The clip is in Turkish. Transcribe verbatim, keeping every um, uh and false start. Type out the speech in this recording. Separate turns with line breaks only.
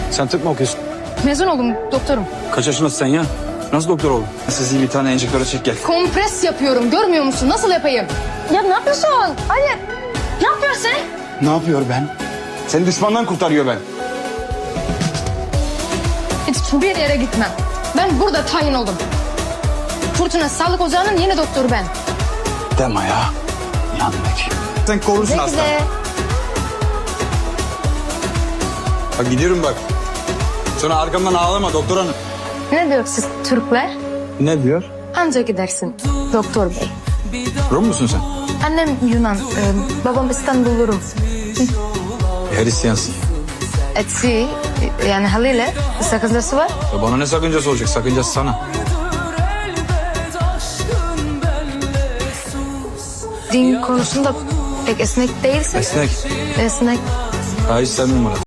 Sen tıp mı okuyorsun?
Mezun oldum doktorum.
Kaç yaşındasın sen ya? Nasıl doktor oldun? Sizi bir tane enjektörü çek gel.
Kompres yapıyorum, görmüyor musun? Nasıl yapayım? Ya ne yapıyorsun? Hayır. Ne yapıyorsun sen?
Ne yapıyor ben? Seni düşmandan kurtarıyor ben.
Hiçbir yere gitmem. Ben burada tayin oldum. Fırtına Sağlık Ocağı'nın yeni doktoru ben.
Deme ya. Yandık. Sen korursun hasta.
Bekle.
Bak gidiyorum bak. Sonra arkamdan ağlama doktor hanım.
Ne diyor siz Türkler?
Ne diyor?
Anca gidersin doktor bey.
Rum musun sen?
Annem Yunan, e, babam İstanbul Rum.
Hristiyansın.
Etsi, e, yani haliyle sakıncası var.
Ya bana ne sakıncası olacak? Sakıncası sana.
Din konusunda pek esnek değilsin.
Esnek.
Esnek.
Ha hiç sevmiyorum Murat.